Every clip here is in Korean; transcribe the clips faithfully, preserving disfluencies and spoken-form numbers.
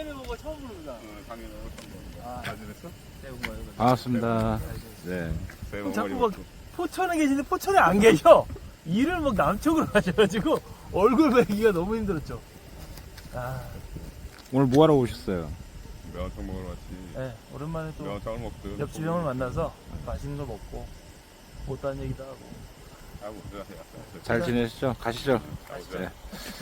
작년에 보고 처음 부릅니다. 작년에 아, 잘 지냈어? 새해 복 많이 받으세요. 반갑습니다. 네. 새해 복 자꾸 많이 막 받고. 포천에 계시는데 포천에 안 계셔. 일을 막 남쪽으로 가셔가지고 얼굴 뵈기가 너무 힘들었죠. 아, 오늘 뭐하러 오셨어요? 매운탕 먹으러 왔지. 네, 오랜만에 또 매운탕을 먹든. 옆집 형을 만나서 맛있는 거 먹고 못다한 얘기도 하고. 하고 그래. 잘 지내시죠? 가시죠. 가보자. 네.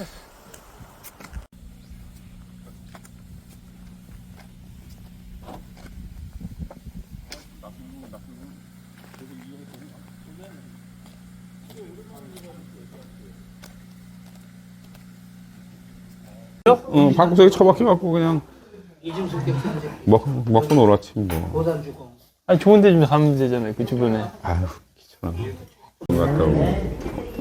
응, 방구석에 처박혀갖고 그냥 먹, 먹고 놀았지 뭐. 아니 좋은데 좀 가면 되잖아요 그 주변에. 아유 귀찮아. 갔다 오고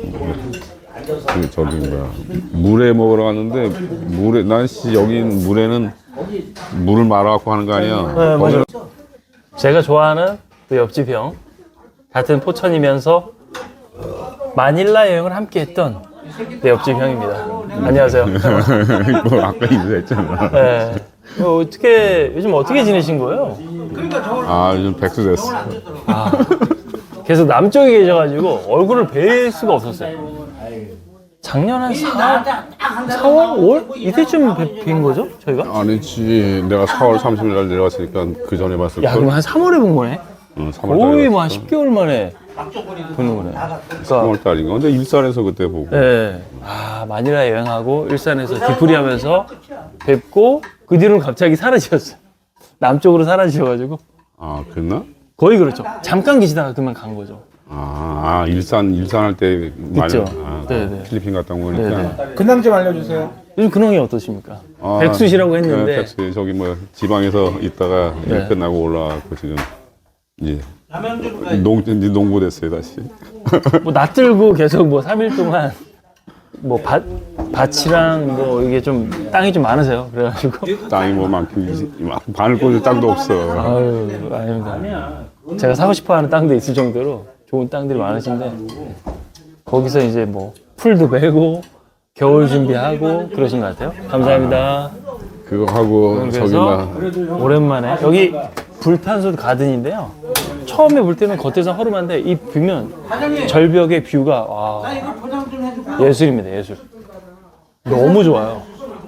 그 저기 뭐야 물에 먹으러 갔는데 물에 난씨 여긴 물에는 물을 말아갖고 하는 거 아니야. 네, 맞아요. 제가 좋아하는 그 옆집 형 같은 포천이면서 마닐라 여행을 함께 했던 내 옆집 형입니다. 안녕하세요. 뭐 아까 인사했잖아. 네. 어, 어떻게 요즘 어떻게 지내신 거예요? 아 요즘 백수 됐어. 아, 계속 남쪽에 계셔가지고 얼굴을 뵐 수가 없었어요. 작년 한 사월, 오월 이때쯤 뵌 거죠? 저희가? 아니지 내가 사월 삼십일 날 내려왔으니까 그 전에 봤을 야, 걸. 그럼 한 삼월에 본 거네? 응, 삼월 거의 뭐 한 십 개월 만에 보는 거네. 그러니까 삼월 달인가. 근데 일산에서 그때 보고. 네. 아, 마닐라 여행하고 일산에서 뒤풀이 하면서 뵙고 그 뒤로는 갑자기 사라지셨어요. 남쪽으로 사라지셔가지고 아 그랬나? 거의 그렇죠. 잠깐 계시다가 그만 간 거죠. 아, 아 일산 일산 할 때 많이 있죠. 아, 네네. 필리핀 갔다 온 거니까. 네네. 근황 좀 알려주세요. 요즘 근황이 어떠십니까? 아, 백수시라고 했는데 네, 백수 저기 뭐 지방에서 있다가 일 네. 끝나고 올라와고 지금 이제 농 이제 농부 됐어요 다시. 뭐 낯들고 계속 뭐 삼 일 동안 뭐 밭, 밭이랑 뭐 이게 좀 땅이 좀 많으세요. 그래가지고 땅이 뭐 많긴 바늘 꽂을 땅도 없어. 아유 아닙니다. 제가 사고 싶어하는 땅도 있을 정도로 좋은 땅들이 많으신데 거기서 이제 뭐 풀도 베고 겨울 준비하고 그러신 것 같아요. 감사합니다. 그거 하고 저기 그래서 막 오랜만에 여기 불탄소 가든인데요. 처음에 볼 때는 겉에서 허름한데 이 뷰면 절벽의 뷰가 와 예술입니다. 예술. 너무 좋아요.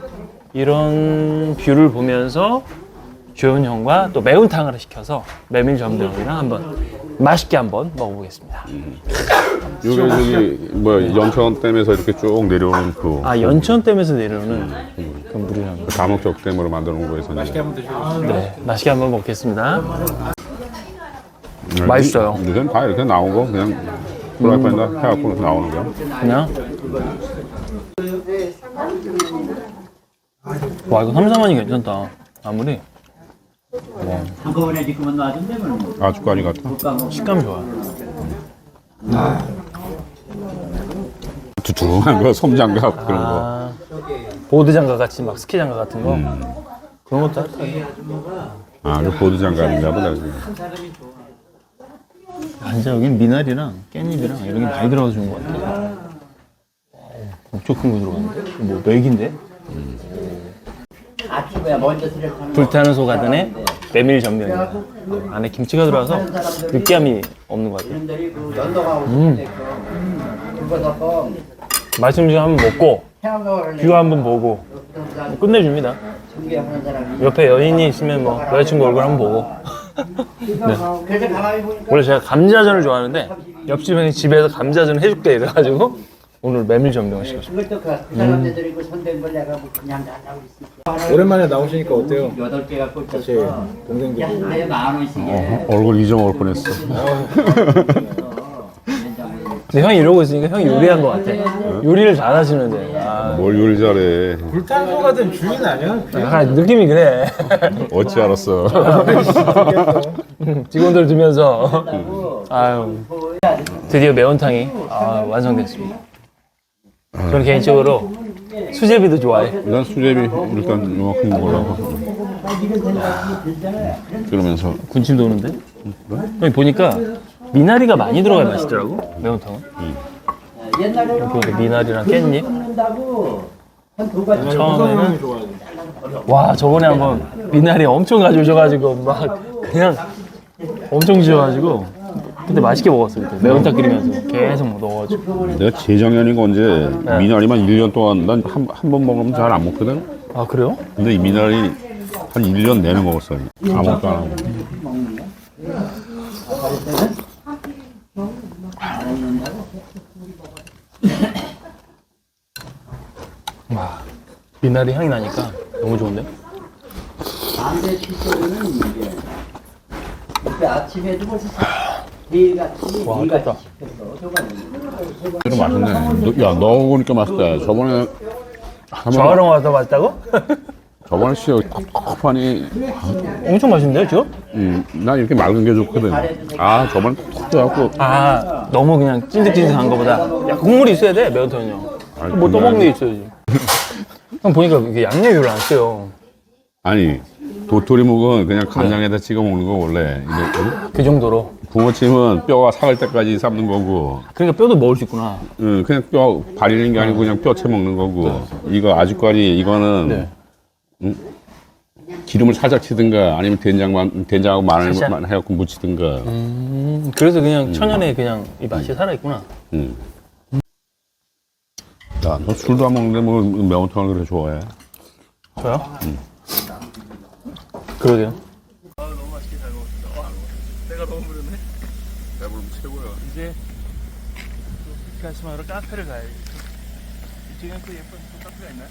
이런 뷰를 보면서 주현 형과 또 매운탕을 시켜서 메밀 전병이랑 한번 맛있게 한번 먹어보겠습니다. 요게 저기 뭐 연천댐에서 이렇게 쭉 내려오는 그 아 연천댐에서 내려오는 그 물이랑 다목적댐으로 만들어 놓은 거에서 맛있게 한번 네 맛있게 한번 먹겠습니다. 맛있어요. 요즘 다 이렇게 나온 거 그냥 프라이팬에다 해갖고 나오는 거야. 그냥 와 이거 삼, 사만이 괜찮다. 아무리 한꺼번에 지금은 놔준다면 아주까지 같아. 식감이 좋아요. 두툼한 거 솜장갑 그런 거. 아 보드 장갑 같이 막 스키 장갑 같은 거 그런 것도 할까요? 아, 그 보드 장갑인가 보다. 완전 여긴 미나리랑 깻잎이랑 이런 게 많이 들어가서 좋은 것 같아요. 엄청 큰 거 들어가는데? 뭐 맥인데? 아침에 먼저 들어가는 불타는 소가든에 메밀 전병입니다. 안에 김치가 들어가서 느끼함이 없는 것 같아요. 분들이 그 연도가 음. 오실 그거서 맛있는 좀 한번 먹고 태양을 뷰 한번 보고 끝내줍니다. 준비하는 사람이 옆에 연인이 있으면 뭐 여자친구 얼굴 한번 보고 네. 그래서 가만히 보니까 원래 제가 감자전을 좋아하는데 옆집 형이 집에서 감자전 해줄게 이래가지고 오늘 메밀 전병을 시켰습니다. 그것도 그, 그 사람들이 그 손댄 걸 내가 뭐 그냥 다 하고 있을게. 오랜만에 나오시니까 어때요? 여덟 개가 같이 꽂혔어. 동생들 야, 아예 만 원씩에. 얼굴 잊어먹을 뻔했어. 근데 형이 이러고 있으니까 형이 요리한 것 같아. 요리를 잘하시는데 아, 뭘 요리 잘해. 불탄소 같은 주인 아니야? 약간 느낌이 그래. 어찌 알았어. 직원들 두면서 아유 드디어 매운탕이 아, 완성됐습니다. 저는 개인적으로 수제비도 좋아해. 난 수제비 일단 요만큼 먹으려고. 그러면서 군침 도는데? 여기 보니까 미나리가 많이 들어가야 맛있더라고 매운탕은. 옛날에 보니까 미나리랑 깻잎 먹는다고 한 두 가지 처음에는 좋아하는 와, 저번에 한번 미나리 엄청 가져오셔가지고 막 그냥 엄청 주셔가지고 그때 맛있게 먹었어요. 그때 매운탕 끓이면서 계속 뭐 넣어가지고. 내가 재작년인가 언제 네. 미나리만 일 년 동안 난 한 한 번 먹으면 잘 안 먹거든. 아, 그래요? 근데 이 미나리 한 일 년 내내 먹었어. 아무것도 안 하고. 와, 미나리 향이 나니까 너무 좋은데? 담배 피서는 이제 그때 아침에도 벌써 매일같이 와, 매일같이 좋다. 시켜서 줘가지고 이거 맛있네. 너, 야, 넣어보니까 맛있다. 저번에 한번- 저랑 와서 맛있다고? 저번에 씨 컵컵하니 엄청 맛있는데요, 지금? 음, 난 이렇게 맑은 게 좋거든. 아, 저번에 톡 돼갖고 아, 너무 그냥 찐득찐득한 거보다 야, 국물이 있어야 돼, 매운탕은요. 아니, 뭐 떠먹는 게 그냥- 있어야지. 형 보니까 이게 양념을 안 써요. 아니 도토리묵은 그냥 간장에다 찍어 먹는 거 원래. 이제 그 정도로. 붕어찜은 뼈가 삭을 때까지 삶는 거고, 그러니까 뼈도 먹을 수 있구나. 응, 그냥 뼈 발리는 게 아니고 그냥 뼈채 먹는 거고. 이거 아주까리 이거는 네. 기름을 살짝 치든가 아니면 된장만 된장하고 마늘만 살짝? 해갖고 무치든가. 음, 그래서 그냥 천연에 그냥 이 맛이 살아있구나. 응. 야, 너 술도 안 먹는데 뭐 매운탕을 그래 좋아해? 저요? 그러게요. 배부르면 최고야. 이제 가시마로 카페를 가야지. 이쪽엔 또 예쁜 또 카페가 있나요?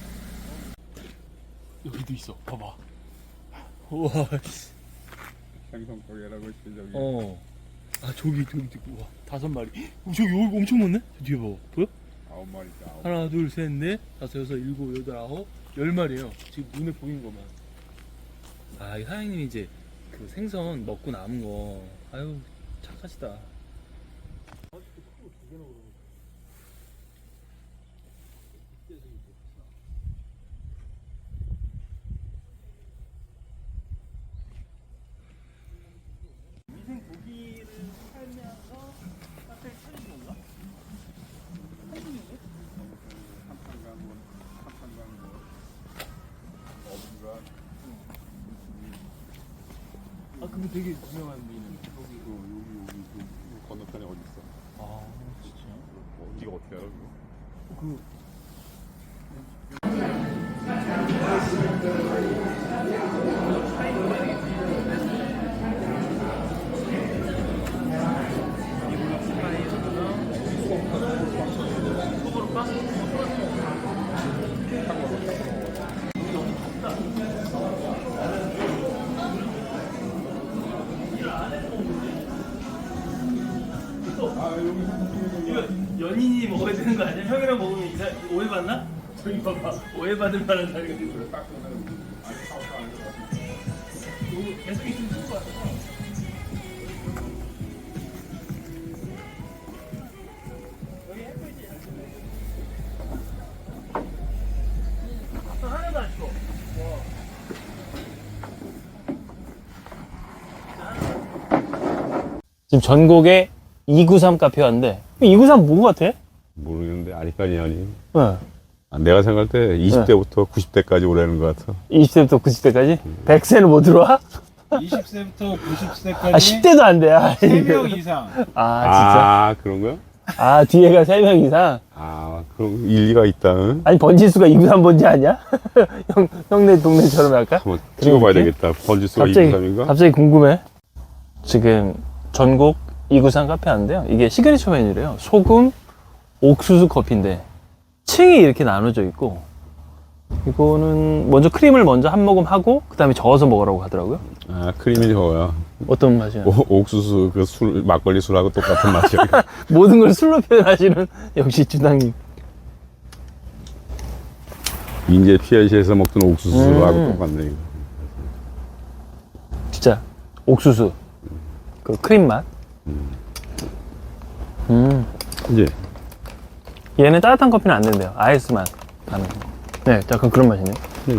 여기도 있어. 봐봐. 우와. 생선가게라고 있지 저기. 어. 아 저기 저기 저기 우와 다섯 마리. 어, 저기 여기 엄청 많네. 저 뒤에 봐봐. 보여? 아홉 마리 있다. 아홉. 하나 둘 셋 넷 다섯 여섯 일곱 여덟 아홉 열 마리예요. 지금 눈에 보이는 것만. 아, 이 사장님이 이제 그 생선 먹고 남은 거. 아유 착하시다. 인생 고기를 살면서 카페를 차린 건가? 아, 그거 되게 유명한 미는 여기 여기 여기 그 건너편에 어디 있어? 아, 진짜요? 어디가 어떻게 알아? 그거? 그 연인이 먹어야 되는 거 아니야? 형이랑 먹으면 이상 오해받나? 저기 봐봐 오해받을 만한 자리가 있어. 계속 있으면 좋을 것 같아. 여기 햇빛이 하나도 안 추워. 지금 전국에 이구삼 카페 왔는데 이구삼 뭔 것 같아? 모르겠는데 아니까지 아니. 네. 아, 내가 생각할 때 이십 대부터 구십 대까지 오라는 것 같아. 이십 세부터 구십 세까지? 백 세는 못 들어와? 이십 세부터 구십 세까지 아, 십 대도 안 돼. 아, 세 명 이상. 아, 진짜? 아, 그런 거야? 아, 뒤에가 세 명 이상? 아, 그럼 일리가 있다. 응? 아니, 번지수가 이구삼 번지 아니야? 형, 형네 동네처럼 할까? 한번 찍어봐야 이렇게? 되겠다. 번지수가 갑자기, 이구삼인가? 갑자기 궁금해. 지금 전국 이구삼 카페 하는데요. 이게 시그니처 메뉴래요. 소금, 옥수수 커피인데, 층이 이렇게 나눠져 있고, 이거는 먼저 크림을 먼저 한 모금 하고, 그 다음에 저어서 먹으라고 하더라고요. 아, 크림이 저거야. 어떤 맛이야? 오, 옥수수 그 술 막걸리 술하고 똑같은 맛이야. 모든 걸 술로 표현하시는 역시 주당님. 인제 피아시에서 먹던 옥수수하고 음. 똑같네. 이거. 진짜 옥수수 그 크림 맛. 음. 이제 얘는 따뜻한 커피는 안 된대요. 아이스 맛 나는. 네, 약간 그런 맛이네요.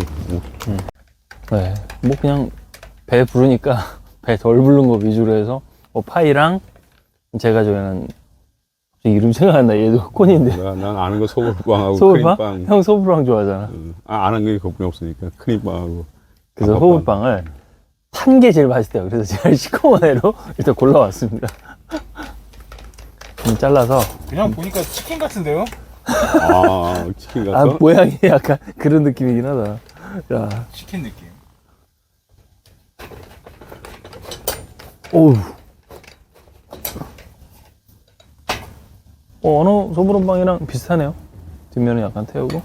네, 뭐 그냥 배 부르니까 배 덜 부른 거 위주로 해서 뭐 파이랑 제가 좋아하는 이름 생각 안 나. 얘도 흑콘인데. 나, 난 아는 거 소금빵하고 소금빵? 크림빵. 형 소금빵 좋아하잖아. 응. 아, 아는 게 거품이 없으니까 크림빵하고. 그래서 단팥빵. 호불빵을 탄 게 제일 맛있대요. 그래서 제가 시커먼 애로 일단 골라왔습니다. 좀 잘라서. 그냥 보니까 치킨 같은데요? 아, 치킨 아, 같어? 모양이 약간 그런 느낌이긴 하다. 야, 치킨 느낌. 오우. 어, 어느 소불원빵이랑 비슷하네요. 뒷면은 약간 태우고.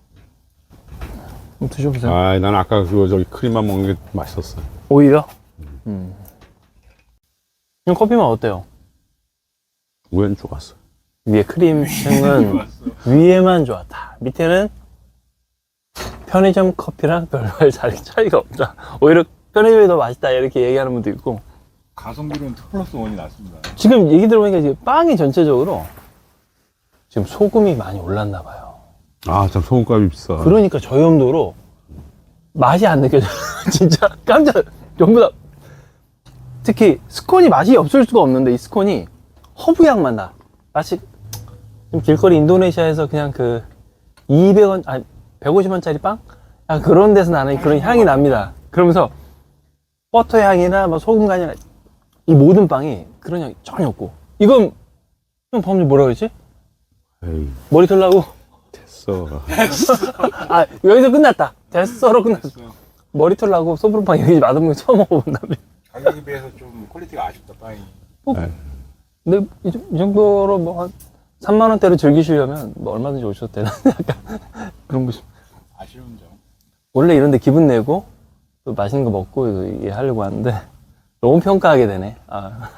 한번 드셔보세요. 아, 난 아까 그거 저기 크림만 먹는 게 맛있었어. 오히려? 음. 형 커피맛 어때요? 우연 좋았어. 위에 크림층은 위에만 좋았다. 밑에는 편의점 커피랑 별반 차이가 없다. 오히려 편의점이 더 맛있다 이렇게 얘기하는 분도 있고. 가성비로는 투 플러스 원이 낫습니다. 지금 얘기 들어보니까 지금 빵이 전체적으로 지금 소금이 많이 올랐나 봐요. 아, 참 소금값이 비싸. 그러니까 저 정도로 맛이 안 느껴져요. 진짜 깜짝 전부 다. 특히 스콘이 맛이 없을 수가 없는데 이 스콘이 허브향 맛 나. 마치 좀 길거리 인도네시아에서 그냥 그 이백 원, 아니 백오십 원짜리 빵? 약간 그런 데서 나는 그런 향이 납니다. 그러면서 버터 향이나 뭐 소금 간이나 이 모든 빵이 그런 향이 전혀 없고. 이건 형 방금 뭐라 그랬지? 에이, 머리 털라고? 됐어. 아 여기서 끝났다. 됐어로 끝났어. 머리 털라고 소불빵 여기 맛없는 거 처음 먹어본 다음에. 가격에 비해서 좀 퀄리티가 아쉽다, 빵이. 네. 근데 이, 정- 이 정도로 뭐 한 삼만 원대로 즐기시려면 뭐 얼마든지 오셔도 되나 약간 그런 거 싶- 아쉬운 점. 원래 이런데 기분 내고 또 맛있는 거 먹고 이게 하려고 하는데 너무 평가하게 되네. 아.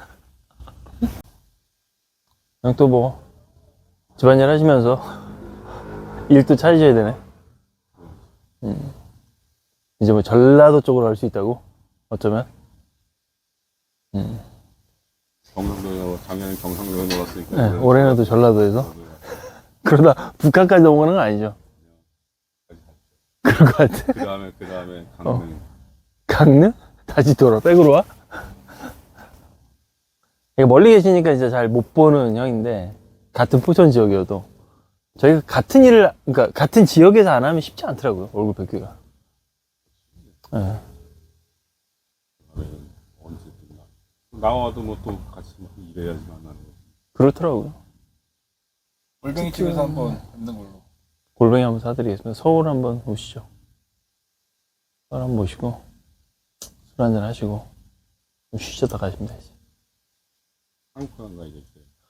그냥 또 뭐 집안일 하시면서 일도 찾으셔야 되네. 음. 이제 뭐 전라도 쪽으로 갈 수 있다고? 어쩌면? 음. 경상도에, 작년에 경상도에 놀았으니까. 네, 올해는 또 전라도에서? 그러다 북한까지 넘어가는 건 아니죠? 그럴 것 같아. 그 다음에, 그 다음에 강릉. 강릉? 다시 돌아, 백으로 와? 이게 멀리 계시니까 진짜 잘 못 보는 형인데, 같은 포천 지역이어도, 저희가 같은 일을, 그러니까 같은 지역에서 안 하면 쉽지 않더라고요, 얼굴 뵙기가. 네. 언제든 나와도 뭐 또 같이 막 일해야지 만나는 거. 그렇더라고요. 골뱅이 집에서 한번 뵙는 걸로. 골뱅이 한번 사드리겠습니다. 서울 한번 오시죠. 서울 한번 모시고, 술 한잔 하시고, 좀 쉬셨다 가시면 되지. 한국 간가 이제.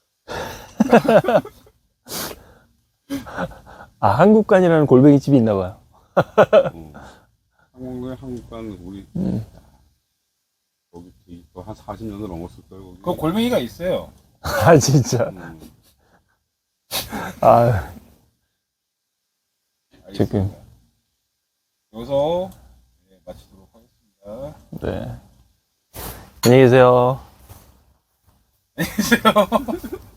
아, 한국관이라는 골뱅이 집이 있나 봐요. 어. 한국에 한국간 우리 음. 거기 한 사십 년을 넘었을 거예요. 거기. 그 골뱅이가 있어요. 아, 진짜. 음. 아, 지금. 알겠습니다. 여기서 네, 마치도록 하겠습니다. 네. 안녕히 계세요. 안녕히 계세요.